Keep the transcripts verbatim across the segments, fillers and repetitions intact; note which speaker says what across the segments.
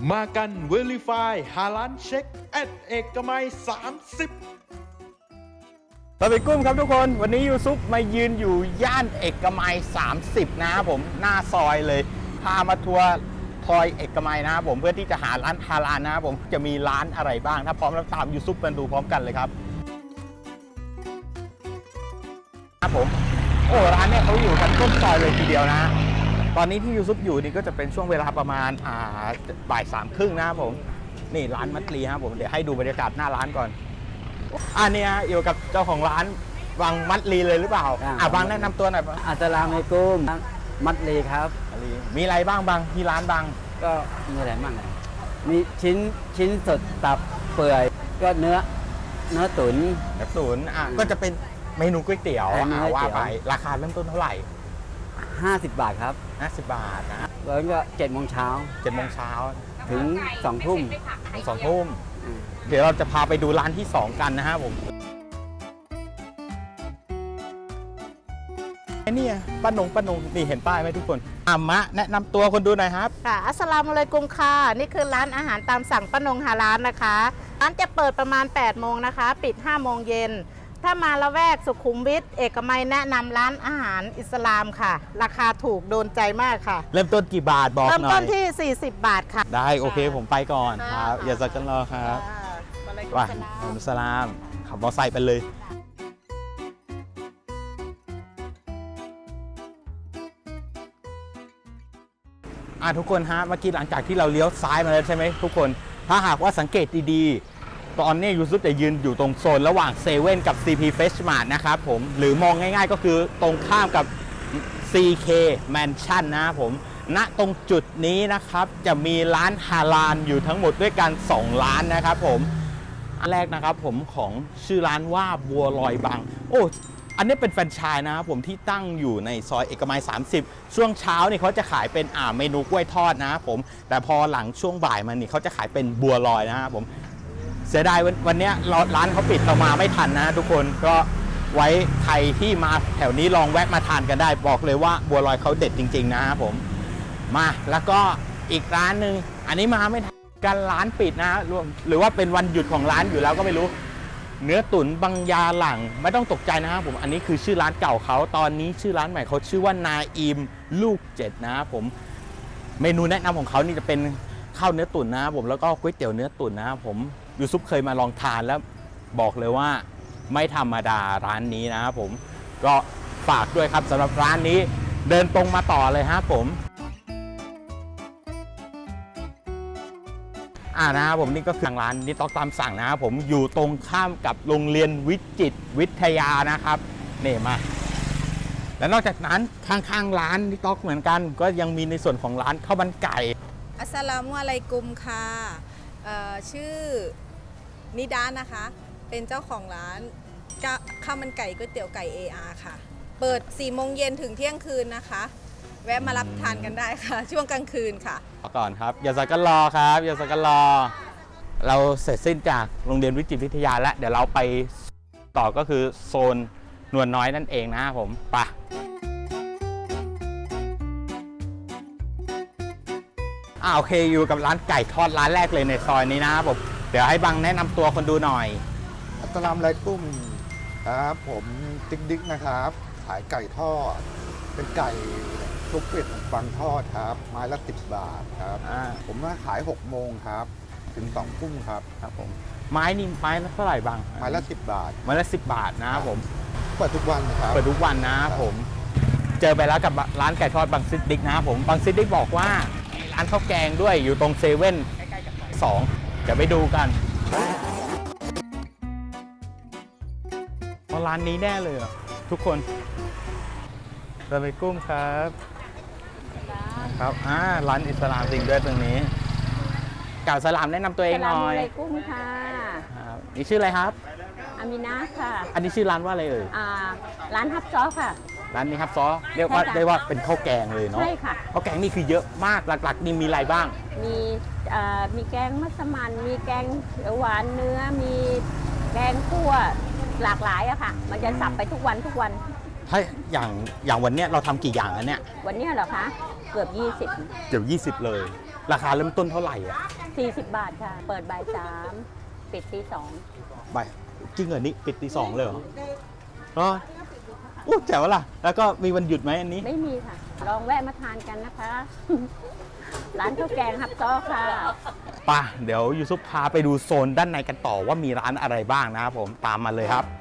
Speaker 1: มากัน Verify หาร้านเช็คแอดเอกมัยสามสิบ
Speaker 2: เราไปกุ้มครับทุกคนวันนี้ยูซุปมายืนอยู่ย่านเอกมัยสามสิบนะครับผมหน้าซอยเลยพามาทัวร์ทอยเอกมัยนะครับผมเพื่อที่จะหาร้านฮาลาลนะครับผมจะมีร้านอะไรบ้างถ้าพร้อมแล้วตามยูซุปมาดูพร้อมกันเลยครับครับผมโอ้ร้านเนี่ยเขาอยู่กันต้นซอยเลยทีเดียวนะตอนนี้ที่ยูซุปอยู่นี่ก็จะเป็นช่วงเวลาประมาณอ่าบ่ายสามครึ่งนะครับผมนี่ร้านมัตลีครับผมเดี๋ยวให้ดูบรรยากาศหน้าร้านก่อนอันนี้อยู่กับเจ้าของร้านวังมัตลีเลยหรือเปล่าอ่ะบางแนะนำตัวหน่อย
Speaker 3: อัสสลามุอะลัยกุมมัตลีครับ
Speaker 2: มีอะไรบ้างบางที่ร้านบาง
Speaker 3: ก็มีอะไรบ้างมีชิ้นชิ้นสดตับเปื่อยก็เนื้อเนื้อตุ๋น
Speaker 2: เนื้อตุ๋นอ่ะก็จะเป็นเมนูก๋วยเตี๋ยวอ่ะว่าไปราคาเริ่มต้นเท่าไหร่
Speaker 3: ห้าสิบบาทครับ
Speaker 2: ห้าสิบบาทนะ
Speaker 3: แล้วก็เจ็ดโมงเช้า
Speaker 2: เจ็ดโมงเช้า
Speaker 3: ถึงสองทุ่ม
Speaker 2: ถึงสองทุ่มเดี๋ยวเราจะพาไปดูร้านที่สองกันนะฮะผมไอ้นี่ป้านงป้านงนี่เห็นป้ายไหมทุกคนอามะแนะนำตัวคนดูหน่อยครับ
Speaker 4: ค่ะอัสสลามุอะลัยกุมค่ะนี่คือร้านอาหารตามสั่งป้านงฮาลาลนะคะร้านจะเปิดประมาณแปดโมงนะคะปิดห้าโมงเย็นถ้ามาละแวกสุขุมวิทเอกมัยแนะนำร้านอาหารอิสลามค่ะราคาถูกโดนใจมากค่ะ
Speaker 2: เริ่มต้นกี่บาทบอกหน่อย
Speaker 4: เริ่มต้นที่สี่สิบบาทค่ะ
Speaker 2: ได้โอเคผมไปก่อนครับอย่าสักกันรอครับว่าอัลสลามขับมอเตอร์ไซค์ไปเลยอ่ะทุกคนฮะเมื่อกี้หลังจากที่เราเลี้ยวซ้ายมาแล้วใช่ไหมทุกคนถ้าหากว่าสังเกตดีๆตอนนี้ยูซุปจะยืนอยู่ตรงโซนระหว่างเซเว่นกับ ซี พี Fresh Mart นะครับผมหรือมองง่ายๆก็คือตรงข้ามกับ ซี เค Mansion นะครับผมณตรงจุดนี้นะครับจะมีร้านฮาลาลอยู่ทั้งหมดด้วยกันสองร้านนะครับผมอันแรกนะครับผมของชื่อร้านว่าบัวลอยบางโอ้อันนี้เป็นแฟรนไชส์นะครับผมที่ตั้งอยู่ในซอยเอกมัยสามสิบช่วงเช้านี่เขาจะขายเป็นอ่าเมนูกล้วยทอดนะครับผมแต่พอหลังช่วงบ่ายมันนี่เขาจะขายเป็นบัวลอยนะครับผมเสียดายวันนี้ร้านเขาปิดเรามาไม่ทันนะทุกคนก็ไว้ใครที่มาแถวนี้ลองแวะมาทานกันได้บอกเลยว่าบัวลอยเขาเด็ดจริงๆนะครับผมมาแล้วก็อีกร้านหนึ่งอันนี้มาไม่ทันกันร้านปิดนะหรือว่าเป็นวันหยุดของร้านอยู่แล้วก็ไม่รู้เนื้อตุ๋นบางยาหลังไม่ต้องตกใจนะครับผมอันนี้คือชื่อร้านเก่าเขาตอนนี้ชื่อร้านใหม่เขาชื่อว่านาอิมลูกเจ็ดนะครับผมเมนูแนะนำของเขานี่จะเป็นข้าวเนื้อตุ๋นนะครับผมแล้วก็ก๋วยเตี๋ยวเนื้อตุ๋นนะครับผมยูซุปเคยมาลองทานแล้วบอกเลยว่าไม่ธรรมดาร้านนี้นะครับผมก็ฝากด้วยครับสำหรับร้านนี้เดินตรงมาต่อเลยครับผมอ่านะครับผมนี่ก็คือร้านนิต๊อกตามสั่งนะครับผมอยู่ตรงข้ามกับโรงเรียนวิจิตรวิทยานะครับนี่มาและนอกจากนั้นข้างๆร้านนิต๊อกเหมือนกันก็ยังมีในส่วนของร้านข้าวมันไก่
Speaker 5: อัสสลามุอะลัยกุมค่ะชื่อนิดานะคะเป็นเจ้าของร้านข้าวมันไก่ก๋วยเตี๋ยวไก่ เอ อาร์ ค่ะเปิดสี่โมงเย็นถึงเที่ยงคืนนะคะแวะมารับทานกันได้ค่ะช่วงกลางคืนค่ะ
Speaker 2: ก่อนครับอย่าสักกันรอครับอย่าสักกันรอเราเสร็จสิ้นจากโรงเรียนวิจิตรวิทยาแล้วเดี๋ยวเราไปต่อก็คือโซนนวลน้อยนั่นเองนะครับผมไปอ่าโอเคอยู่กับร้านไก่ทอดร้านแรกเลยในซอยนี้นะครับผมเดี๋ยวให้บังแนะนำตัวคนดูหน่อย
Speaker 6: อัสสลามุอะลัยกุมครับผมติ๊กดิ๊กนะครับขายไก่ทอดเป็นไก่ทุกเป็ดฟังทอดครับไม้ละสิบบาทครับผมมาขายหกโมงครับถึงสองทุ่มครับ
Speaker 2: ครับผมไม้นี่ไม้ละเท่าไหร่บาง
Speaker 6: ไม้ละสิบบาท
Speaker 2: ไม้ละสิบบาทนะครับผม
Speaker 6: เปิดทุกวันครับ
Speaker 2: เปิดทุกวันนะครับผมเจอไปแล้วกับร้านไก่ทอดบางซิดดิ๊กนะครับผมบางซิดดิ๊กบอกว่าร้านข้าวแกงด้วยอยู่ตรงเซเว่นใกล้ๆกับซอยสองจะไปดูกันร้านนี้แน่เลยทุกคนสวัสดีกุ้มครับครับอ่าร้านอิสลามจริงด้วยตรงนี้กล่าวสลามแนะนำตัวเองหน่อย
Speaker 7: สลามอะลัยกุมค่ะ
Speaker 2: นี่ชื่ออะไรครับ
Speaker 7: อามินะค่ะ
Speaker 2: อันนี้ชื่อร้านว่าอะไรเอ่ย
Speaker 7: อ่าร้านฮับซอค่ะ
Speaker 2: ร้านนี้ฮับซอเรียกว่าได้ว่าเป็นข้าวแกงเลยเนาะ
Speaker 7: ใช่ค่ะ
Speaker 2: ข้าวแกงนี่คือเยอะมากหลักๆนี่มีอะไรบ้าง
Speaker 7: มีอ่ามีแกงมัสมั่นมีแกงเขียวหวานเนื้อมีแกงคั่วหลากหลายอะค่ะมันจะสับไปทุกวันทุกวัน
Speaker 2: ถ้าอย่างอย่างวันนี้เราทำกี่อย่างอันเนี้ย
Speaker 7: วันนี้เหรอคะเกือบยี่สิบ
Speaker 2: เกือบยี่สิบเลยราคาเริ่มต้นเท่าไหร่อ่ะ
Speaker 7: สี่สิบบาทค่ะ เปิดบ่ายสามปิดตีสอง
Speaker 2: ใบจริงเหรอนี่ปิดตีสองเลยเหรออ๋ออู้แจ๋วล่ะ แล้วก็มีวันหยุดไหมอันนี้
Speaker 7: ไม่มีค่ะ ลองแวะมาทานกันนะคะ ร้านข้าวแกงฮับซ้อค่ะ
Speaker 2: ป่ะเดี๋ยวยูซุปพาไปดูโซนด้านในกันต่อว่ามีร้านอะไรบ้างนะครับผมตามมาเลยครับ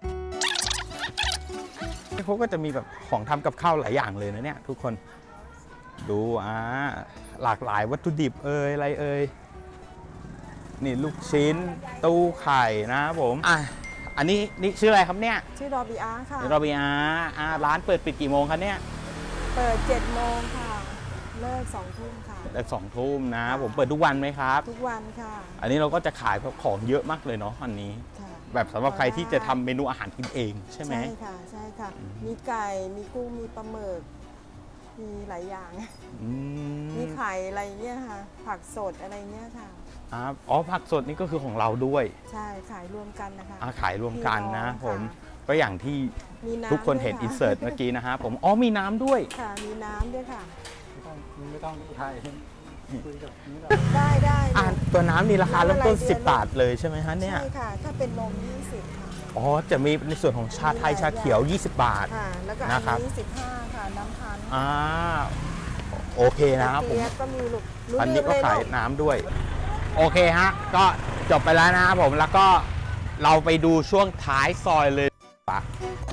Speaker 2: เขาก็จะมีแบบของทำกับข้าวหลายอย่างเลยนะเนี่ยทุกคนดูอ่าหลากหลายวัตถุดิบเอ่ยอะไรเอ่ยนี่ลูกชิ้นตู้ไข่นะครับผมอ่ะอันนี้นี่ชื่ออะไรครับเนี่ย
Speaker 8: ชื่อดอบีอาค่ะ
Speaker 2: โรบิอาอ่าร้านเปิดปิดกี่โมงครับเนี่ย
Speaker 8: เปิดเจ็ดโมงค่ะ เลิกสองทุ่มค่ะ
Speaker 2: แต่สองทุ่มนะผมเปิดทุกวันไหมครับ
Speaker 8: ทุกวันค่ะ
Speaker 2: อันนี้เราก็จะขายของเยอะมากเลยเนาะอันนี้
Speaker 8: ค่ะ
Speaker 2: แบบสำหรับใครที่จะทำเมนูอาหารกินเองใช่ไหม
Speaker 8: ใช่ค่ะ ใช่ค่ะ มีไก่ มีกุ้ง มีปลาหมึก มีหลายอย่าง
Speaker 2: อืม
Speaker 8: มีไข่อะไรเงี้ยค่ะ ผักสดอะไรเงี้ยค่ะ
Speaker 2: อ่าอ๋อผักสดนี่ก็คือของเราด้วย
Speaker 8: ใช่ ขายรวมกันนะคะ
Speaker 2: อาขายรวมกันนะ
Speaker 8: พี่น้อง
Speaker 2: ผม
Speaker 8: ค่ะ
Speaker 2: ก็อย่างที่
Speaker 8: มีน้ำ
Speaker 2: ทุกคนเห็น
Speaker 8: ด้วย
Speaker 2: อินเสิร์ตเมื่อกี้นะฮะผมอ๋อมีน้ำด้วย
Speaker 8: ค่ะ มีน้ำด้วยค่ะ
Speaker 6: ไม่ต้องไทยคุยกับนี่เรา
Speaker 8: ได้ได้
Speaker 2: อ่าตัวน้ำนี่ราคาเริ่มต้น
Speaker 8: น้ำอะไร
Speaker 2: สิบ
Speaker 8: เดือน
Speaker 2: บาทเลยใช่ไหมฮะเนี่ย
Speaker 8: ใช่ค่ะ ถ้าเป็นนมยี่สิบค่ะ
Speaker 2: อ๋อจะมีในส่วนของชาไทยชาเขียว ยี่สิบบาท
Speaker 8: ค่ะ แล้วก็อั
Speaker 2: นะครับ
Speaker 8: นนี้สิบห้าค่ะ น้ำพันธุ์
Speaker 2: อ่าโอเคนะครับผม
Speaker 8: เปี๊ยกก็มีลูกรู้
Speaker 2: อันนี้ก็
Speaker 8: เรื่องเล
Speaker 2: ขาย
Speaker 8: ลูก
Speaker 2: น้ำด้วย โอเคฮะ ก็จบไปแล้วนะครับผมแล้วก็เราไปดูช่วงท้ายซอยเลยปะ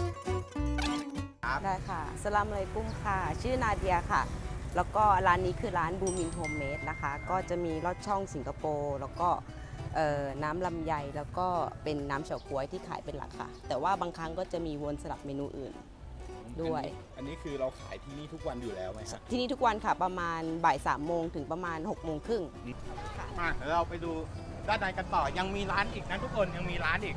Speaker 9: ได้ค่ะสลามเลยกุ้งค่ะ ชื่อนาเดียค่ะ แล้วก็ร้านนี้คือร้านบูมินโฮมเมดนะคะ ก็จะมีลอดช่องสิงคโปร์แล้วก็เอ่อน้ำลำไยแล้วก็เป็นน้ำเฉาก๊วยที่ขายเป็นหลักค่ะ แต่ว่าบางครั้งก็จะมีวนสลับเมนูอื่นด้วย
Speaker 2: อันนี้คือเราขายที่นี่ทุกวันอยู่แล้วไหมครับ
Speaker 9: ที่นี่ทุกวันค่ะประมาณบ่ายสามโมงถึงประมาณหกโมงครึ่ง
Speaker 2: มาเดี๋ยวเราไปดูด้านในกันต่อยังมีร้านอีกนะทุกคนยังมีร้านอีก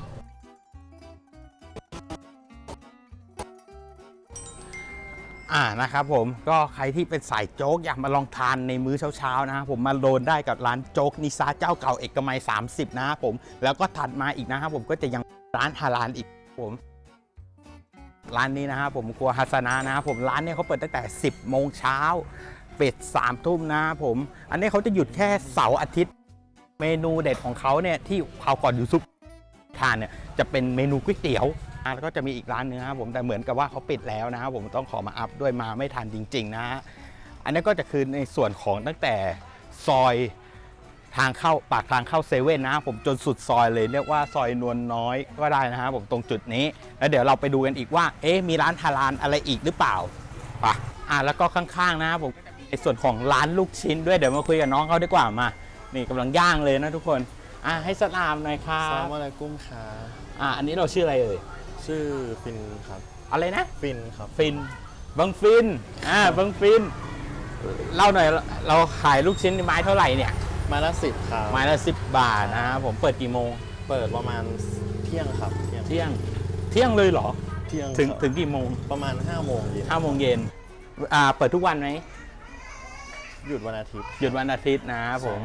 Speaker 2: อ่านะครับผมก็ใครที่เป็นสายโจ๊กอยากมาลองทานในมื้อเช้าๆนะครับผมมาโดนได้กับร้านโจ๊กนิซาเจ้าเก่าเอกมัยสามสิบนะครับผมแล้วก็ถัดมาอีกนะครับผมก็จะยังร้านฮาลาลอีกผมร้านนี้นะครับผมครัวฮัสนานะครับผมร้านนี้เขาเปิดตั้งแต่สิบโมงเช้าปิดสามทุ่มนะครับผมอันนี้เขาจะหยุดแค่เสาร์อาทิตย์เมนูเด็ดของเขาเนี่ยที่เขาวก่อนยูซุปทานเนี่ยจะเป็นเมนูก๋วยเตี๋ยวแล้วก็จะมีอีกร้านนึงนะครับผมแต่เหมือนกับว่าเขาปิดแล้วนะครับผมต้องขอมาอัพด้วยมาไม่ทันจริงๆนะฮะอันนี้ก็จะคือในส่วนของตั้งแต่ซอยทางเข้าปากทางเข้าเซเว่นนะครับผมจนสุดซอยเลยเรียกว่าซอยนวลน้อยก็ได้นะครับผมตรงจุดนี้แล้วเดี๋ยวเราไปดูกันอีกว่าเอ๊ะมีร้านฮาลาลอะไรอีกหรือเปล่าป่ะอ่ะแล้วก็ข้างๆนะครับผมในส่วนของร้านลูกชิ้นด้วยเดี๋ยวมาคุยกับน้องเขาดีกว่ามานี่กำลังย่างเลยนะทุกคนอ่ะให้สลามหน่อยครับ
Speaker 10: ซาลามอะไรกุ้งค่ะ
Speaker 2: อ่ะอันนี้เราชื่ออะไรเอ่ย
Speaker 10: ชื่อฟินครับ
Speaker 2: อะไรนะ
Speaker 10: ฟินครับ
Speaker 2: ฟินบังฟินอ่าบังฟินเล่าหน่อยเราขายลูกชิ้นไม้เท่าไหร่เนี่ย
Speaker 10: ไม้ละสิบครับ
Speaker 2: ไม้ละสิบบาทนะครับผมเปิดกี่โมง
Speaker 10: เปิดประมาณเที่ยงครับ เที่ยง
Speaker 2: เที่ยงเที่ยงเลยเหรอ
Speaker 10: เที่ยง
Speaker 2: ถึง
Speaker 10: ครับ
Speaker 2: ถึงกี่โมง
Speaker 10: ประมาณห้าโมงเย็น
Speaker 2: ห้าโมงเย็นอ่าเปิดทุกวันไหม
Speaker 10: หยุดวันอาทิตย์
Speaker 2: หยุดวันอาทิตย์นะครับผม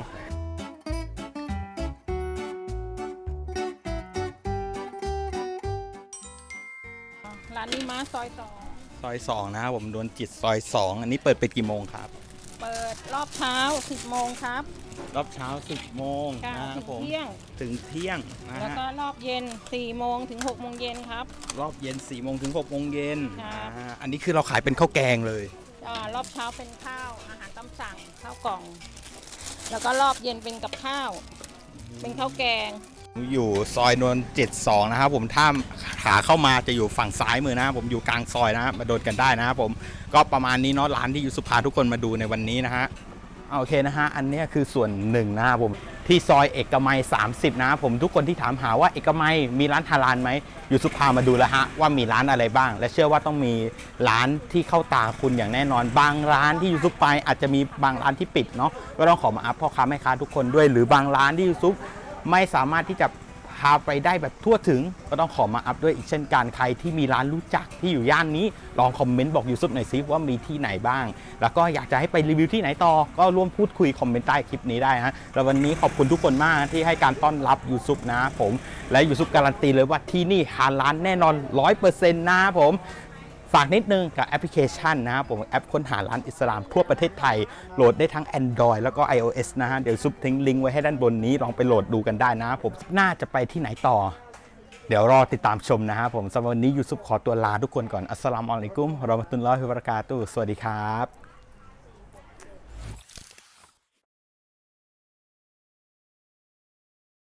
Speaker 11: ร้านนี้มาซอยสอง
Speaker 2: ซอยสองนะครับผมโดนจิตซอยสองอันนี้เปิดไปกี่โมงครับ
Speaker 11: เปิดรอบเช้าสิบโมงครับ
Speaker 2: รอบเช้าสิบโมง
Speaker 11: ค่ะ
Speaker 2: นะค
Speaker 11: ถึ
Speaker 2: รับ
Speaker 11: ง
Speaker 2: ผม
Speaker 11: เที่ยง
Speaker 2: ถึงเที่ยงนะ
Speaker 11: แล้ว
Speaker 2: ฮะ
Speaker 11: ก็รอบเย็นสี่โมงถึงหกโมงเย็นครับ
Speaker 2: รอบเย็นสี่โมงถึงหกโมงเย็น
Speaker 11: ครับ
Speaker 2: อ่าอันนี้คือเราขายเป็นข้าวแกงเลย
Speaker 11: อ่ารอบเช้าเป็นข้าวอาหารตามสั่งข้าวกล่อง แล้วก็รอบเย็นเป็นกับข้าว เป็นข้าวแกง
Speaker 2: อยู่ซอยนวลเจ็ดสองนะครับผมถ้าขาเข้ามาจะอยู่ฝั่งซ้ายมือนะครับผมอยู่กลางซอยนะครับมาโดนกันได้นะครับผมก็ประมาณนี้เนาะร้านที่ยูสุพาทุกคนมาดูในวันนี้นะฮะโอเคนะฮะอันนี้คือส่วนหนึ่งนะครับผมที่ซอยเอกมัยสามสิบนะครับผมทุกคนที่ถามหาว่าเอกมัยมีร้านฮาลาลไหมยูสุพามาดูแล้วฮะว่ามีร้านอะไรบ้าง และเชื่อว่าต้องมีร้านที่เข้าตาคุณอย่างแน่นอนบางร้านที่ยูซุปไปอาจจะมีบางร้านที่ปิดเนาะก็ต้องขอมาอัพพ่อค้าแม่ค้าทุกคนด้วยหรือบางร้านที่ยูซุปไม่สามารถที่จะพาไปได้แบบทั่วถึงก็ต้องขอมาอัพด้วยอีกเช่นกันใครที่มีร้านรู้จักที่อยู่ย่านนี้ลองคอมเมนต์บอกยูซุปหน่อยซิว่ามีที่ไหนบ้างแล้วก็อยากจะให้ไปรีวิวที่ไหนต่อก็ร่วมพูดคุยคอมเมนต์ใต้คลิปนี้ได้ฮะแล้ววันนี้ขอบคุณทุกคนมากที่ให้การต้อนรับยูซุปนะผมและยูซุปการันตีเลยว่าที่นี่ฮาลาลแน่นอน ร้อยเปอร์เซ็นต์ นะผมฝากนิดนึงกับแอปพลิเคชันนะครับผมแอปค้นหาร้านอิสลามทั่วประเทศไทยโหลดได้ทั้ง Android แล้วก็ iOS นะฮะเดี๋ยวซุปทิ้งลิงก์ไว้ให้ด้านบนนี้ลองไปโหลดดูกันได้นะผมน่าจะไปที่ไหนต่อเดี๋ยวรอติดตามชมนะครับผมสำหรับวันนี้ยูซุปขอตัวลาทุกคนก่อนอัสสลามุอะลัยกุมวะเราะมะตุลลอฮิวะบะเราะกาตุฮ์สวัสดีครับ